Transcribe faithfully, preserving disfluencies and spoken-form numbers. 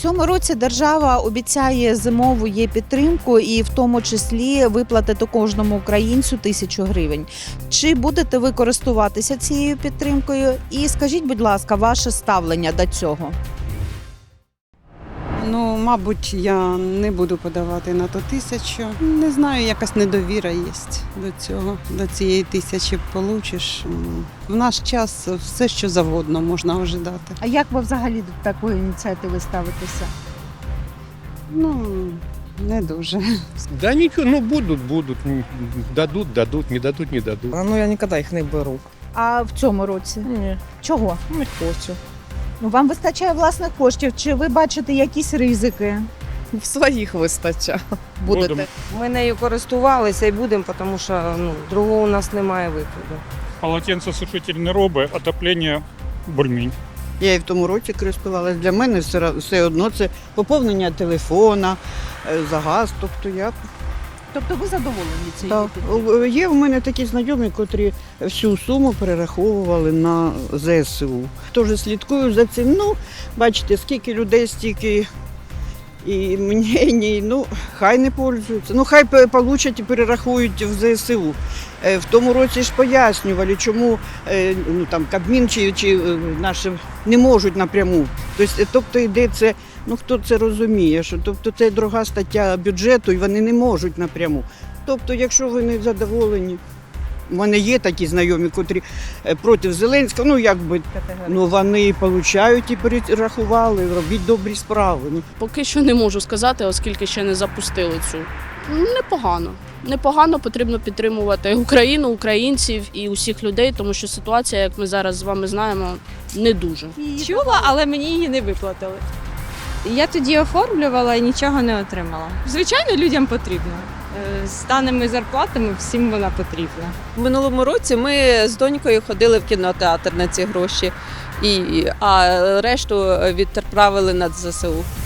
цьому році держава обіцяє зимову є підтримку і в тому числі виплатити кожному українцю тисячу гривень. Чи будете ви користуватися цією підтримкою? І скажіть, будь ласка, ваше ставлення до цього? Ну, мабуть, я не буду подавати на ту тисячу. Не знаю, якась недовіра є до цього, до цієї тисячі получиш. В наш час все, що завгодно можна ожидати. А як ви взагалі до такої ініціативи ставитеся? Ну, не дуже. Да ничего, ну будут, будут. Дадут, дадут, не дадут, не дадут. А ну я ніколи їх не беру. А в цьому році? Ні, Чого? не хочу. Ну, вам вистачає власних коштів, чи ви бачите якісь ризики? В своїх вистачає. Будете? Будемо. Ми нею користувалися і будемо, тому що ну, другого у нас немає виходу. Полотенцесушитель не робить, отоплення бульмінь. Я і в тому році користувалася. Для мене все, все одно це поповнення телефона, е, за газ. Тобто я Тобто ви задоволені цією так. підтримкою? Є в мене такі знайомі, котрі всю суму перераховували на зе ес у. Теж слідкую за цим. Ну, бачите, скільки людей, стільки і мені, ну, хай не пользуються. Ну, хай пе- получать і перерахують в зе ес у. Е, В тому році ж пояснювали, чому е, ну, там, Кабмін чи, чи е, наші не можуть напряму. Тобто, тобто йде це, ну хто це розуміє, що тобто це друга стаття бюджету і вони не можуть напряму. Тобто, якщо ви не задоволені, у мене є такі знайомі, котрі е, проти Зеленського, ну якби, ну вони получають і перерахували, робіть добрі справи. Ну, Поки що не можу сказати, оскільки ще не запустили цю. Непогано. Непогано, потрібно підтримувати Україну, українців і усіх людей, тому що ситуація, як ми зараз з вами знаємо, не дуже. Чула, але мені її не виплатили. Я тоді оформлювала і нічого не отримала. Звичайно, людям потрібно. Е, З даними зарплатами всім вона потрібна. В минулому році ми з донькою ходили в кінотеатр на ці гроші, і, а решту відправили на зе ес у.